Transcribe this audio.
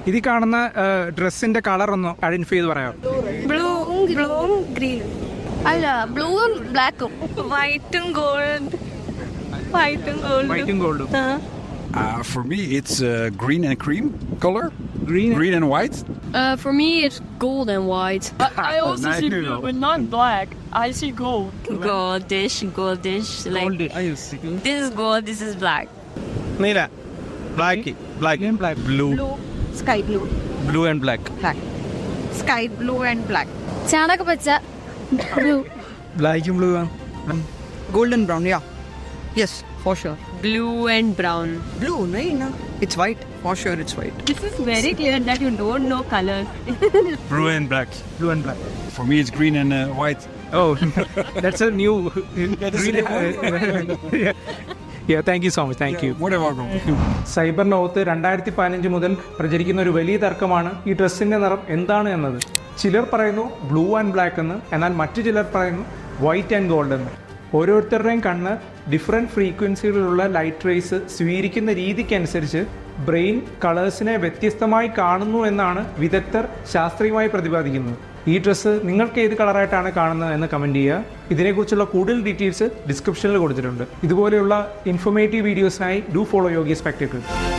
ഇത് കാണുന്ന ഡ്രസ്സിന്റെ കളർ ഒന്ന് ഐഡന്റിഫൈ ചെയ്ത് പറയാം. ബ്ലൂവും ഗ്രീനും അല്ല, ബ്ലൂവും ബ്ലാക്കും, വൈറ്റും ഗോൾഡും. For me, it's green and cream color. Green and white. For me, it's gold and white. I also see blue, but not black. I see gold. Goldish. Like this is gold, this is black. Neela. Black. Blue. Sky blue. Blue and black. Sky blue and black. ചാണക പച്ച, blue. ബ്ലാക്കും blue Golden brown, yeah. Yes, for sure. Blue and brown. Blue, no? It's white. For sure, it's white. This is very clear that you don't know color. Blue and black. For me, it's green and white. Oh, that's a new. Yeah, thank you so much. Thank you. More than welcome. Cyber ലോകത്ത് 2015 മുതൽ പ്രചരിക്കുന്ന ഒരു വലിയ തർക്കമാണ് ഈ ഡ്രസ്സിന്റെ നിറം എന്താണ് എന്നത്. ചിലർ പറയുന്നു ബ്ലൂ ആൻഡ് ബ്ലാക്ക് എന്ന്, എന്നാൽ മറ്റു ചിലർ പറയുന്നു വൈറ്റ് ആൻഡ് ഗോൾഡ് എന്ന്. ഓരോരുത്തരുടെയും കണ്ണ് ഡിഫറെൻറ്റ് ഫ്രീക്വൻസികളിലുള്ള ലൈറ്റ് റേസ് സ്വീകരിക്കുന്ന രീതിക്കനുസരിച്ച് ബ്രെയിൻ കളേഴ്സിനെ വ്യത്യസ്തമായി കാണുന്നു എന്നാണ് വിദഗ്ധർ ശാസ്ത്രീയമായി പ്രതിപാദിക്കുന്നത്. ഈ ഡ്രസ്സ് നിങ്ങൾക്ക് ഏത് കളറായിട്ടാണ് കാണുന്നത് എന്ന് കമൻറ്റ് ചെയ്യുക. ഇതിനെക്കുറിച്ചുള്ള കൂടുതൽ ഡീറ്റെയിൽസ് ഡിസ്ക്രിപ്ഷനിൽ കൊടുത്തിട്ടുണ്ട്. ഇതുപോലെയുള്ള ഇൻഫോർമേറ്റീവ് വീഡിയോസിനായി ഡു ഫോളോ യോഗി സ്പെക്ടക്കിൾ.